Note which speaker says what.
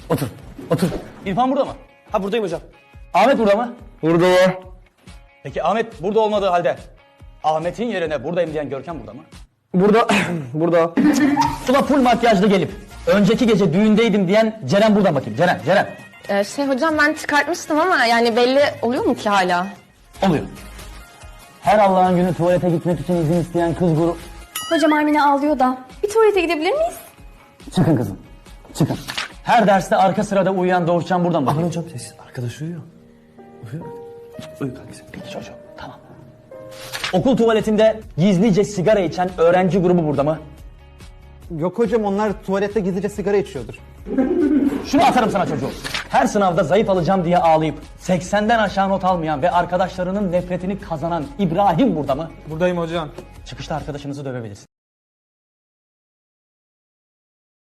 Speaker 1: Otur. Otur. İrfan burada mı?
Speaker 2: Ha buradayım hocam.
Speaker 1: Ahmet burada mı?
Speaker 3: Burada var.
Speaker 1: Peki Ahmet burada olmadığı halde Ahmet'in yerine buradayım diyen Görkem burada mı?
Speaker 3: Burada. Burada.
Speaker 1: Sıla full makyajlı gelip önceki gece düğündeydim diyen Ceren burada bakayım. Ceren.
Speaker 4: Hocam ben çıkartmıştım ama yani belli oluyor mu ki hala?
Speaker 1: Oluyor. Her Allah'ın günü tuvalete gitmek için izin isteyen kız grubu...
Speaker 5: Hocam Armine ağlıyor da. Bir tuvalete gidebilir miyiz?
Speaker 1: Çıkın kızım. Çıkın. Her derste arka sırada uyuyan Doğuşcan buradan bakıyor.
Speaker 2: Aman hocam sessiz. Arkadaş uyuyor. Uyu kankisi.
Speaker 1: Peki çocuğum. Tamam. Okul tuvaletinde gizlice sigara içen öğrenci grubu burada mı?
Speaker 6: Yok hocam, onlar tuvalette gizlice sigara içiyordur.
Speaker 1: Şunu atarım sana çocuğum. Her sınavda zayıf alacağım diye ağlayıp 80'den aşağı not almayan ve arkadaşlarının nefretini kazanan İbrahim burada mı?
Speaker 2: Buradayım hocam.
Speaker 1: Çıkışta arkadaşınızı dövebilirsin.